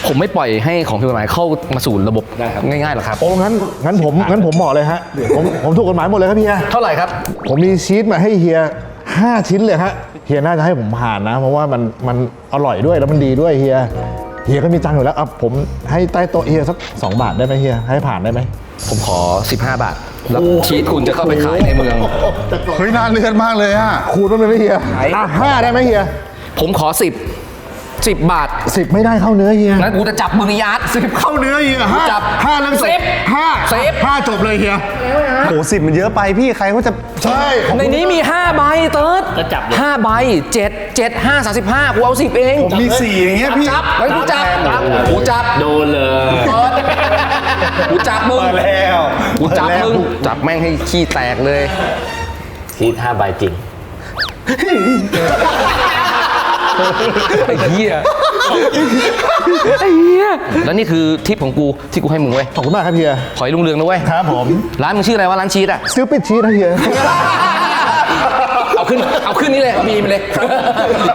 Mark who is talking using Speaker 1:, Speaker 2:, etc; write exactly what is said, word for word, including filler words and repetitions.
Speaker 1: ผมไม่ปล่อยให้ของผิดกฎหมายเข้ามาสู่ระบบง่ายๆหรอกครับ
Speaker 2: โอ้งั้นงั้นผมงั้นผมบอกเลยฮะผมผมถูกกฎหมายหมดเลยครับเฮีย
Speaker 1: เท่าไหร่ครับ
Speaker 2: ผมมีชีสมาให้เฮียห้าชิ้นเลยฮะเฮียน่าจะให้ผมผ่านนะ เพราะว่ามันมันอร่อยด้วยแล้วมันดีด้วยเฮียเฮียก็มีตังค์อยู่แล้วอ่ะผมให้ใต้โต๊ะเฮียสักสองบาทได้ไหมเฮียให้ผ่านได้ไหม
Speaker 1: ผมขอสิบห้าบาทแล้วชีสคุณจะเข้าไปขายในเมือง
Speaker 3: เฮ้ยน่าเลือดมากเลยอ่ะ
Speaker 2: คูณมันเลยไหมเฮียอ่ะห้าได้ไหมเฮีย
Speaker 1: ผมขอสิบสิบบาท
Speaker 2: สิบไม่ได้เข้าเนื้อเฮีย
Speaker 1: งั้นกูจะจับมึงยัดสิบ
Speaker 2: เข้าเนื้อเฮียห้า
Speaker 1: จับ
Speaker 2: ห้าเรื่อง
Speaker 1: สิบ
Speaker 2: ห้า
Speaker 1: สิบ
Speaker 2: ห้าจบเลยเฮีย
Speaker 3: โหสิบมันเยอะไปพี่ใครเขาจะ
Speaker 2: ใช่ผม
Speaker 1: ในนี้มีห้าใบเติร์ด
Speaker 4: ก็จับเลย
Speaker 1: ห้าใบเจ็ดเจ็ดห้าสามสิบห้ากูเอาสิบเอง
Speaker 3: ผมมีสี่อย่างเงี้ยพี่
Speaker 1: จับไว้กูจับกูจับ
Speaker 4: โดนเลย
Speaker 1: เปิดกูจับมึง
Speaker 3: เปิดแล้ว
Speaker 1: กูจับ
Speaker 3: เปิดแล้ว
Speaker 1: มึงจับแม่งให้ขี้แตกเลย
Speaker 4: ชีสห้าใบจริง
Speaker 1: ไอ้เหี้ยไอ้เหี้ยแล้วนี่คือทิปของกูที่กูให้มึงเว้ย
Speaker 2: ขอบคุณมากครับเฮีย
Speaker 1: ขอให้ลุงเรืองนะเว้ย
Speaker 2: ครับผม
Speaker 1: ร้านมึงชื่ออะไรวะร้านชีสอ่ะ
Speaker 2: ซื้อปิดชีสนะเฮีย
Speaker 1: เอาขึ้นเอาขึ้นนี่เลยเอาบีมเลย